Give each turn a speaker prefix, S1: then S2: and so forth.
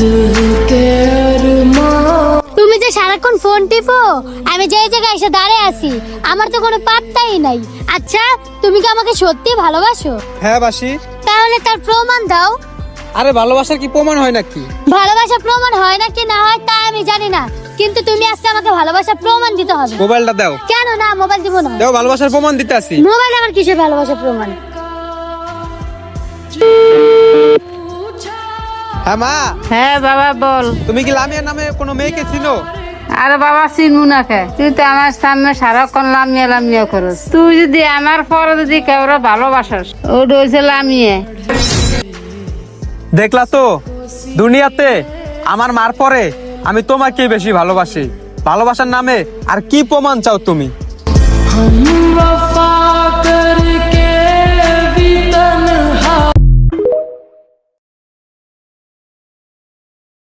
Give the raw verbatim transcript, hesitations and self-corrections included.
S1: তুমি যে সারাক্ষণ ফোন টিপো, আমি যে জায়গায় এসে দাঁড়িয়ে আছি আমার তো কোনো পাত্তাই নাই। আচ্ছা, তুমি কি আমাকে সত্যি ভালোবাসো?
S2: হ্যাঁ বাসি।
S1: তাহলে তার প্রমাণ দাও।
S2: আরে ভালোবাসার কি প্রমাণ হয় নাকি?
S1: ভালোবাসা প্রমাণ হয় নাকি না হয় তা আমি জানি না, কিন্তু তুমি আজকে আমাকে ভালোবাসার প্রমাণ দিতে হবে।
S2: মোবাইলটা দাও।
S1: কেন না, মোবাইল দিব না।
S2: দাও, ভালোবাসার প্রমাণ দিতে আসি।
S1: মোবাইল আমার কিসের ভালোবাসার প্রমাণ?
S2: হ্যাঁ মা।
S3: হ্যাঁ বাবা বল।
S2: তুমি কি লামিয়া নামে কোনো মেয়েকে চিনো?
S3: আরে বাবা চিনবো না কে? তুই তো আমার সামনে সারাক্ষণ লামিয়া লামিয়া করস। তুই যদি আমার পরে যদি কেউরা ভালোবাসাস, ওটা হয়েছে লামিয়ে।
S2: দেখলা তো, দুনিয়াতে আমার মার পরে আমি তোমাকেই বেশি ভালোবাসি। ভালোবাসার নামে আর কি প্রমাণ চাও তুমি?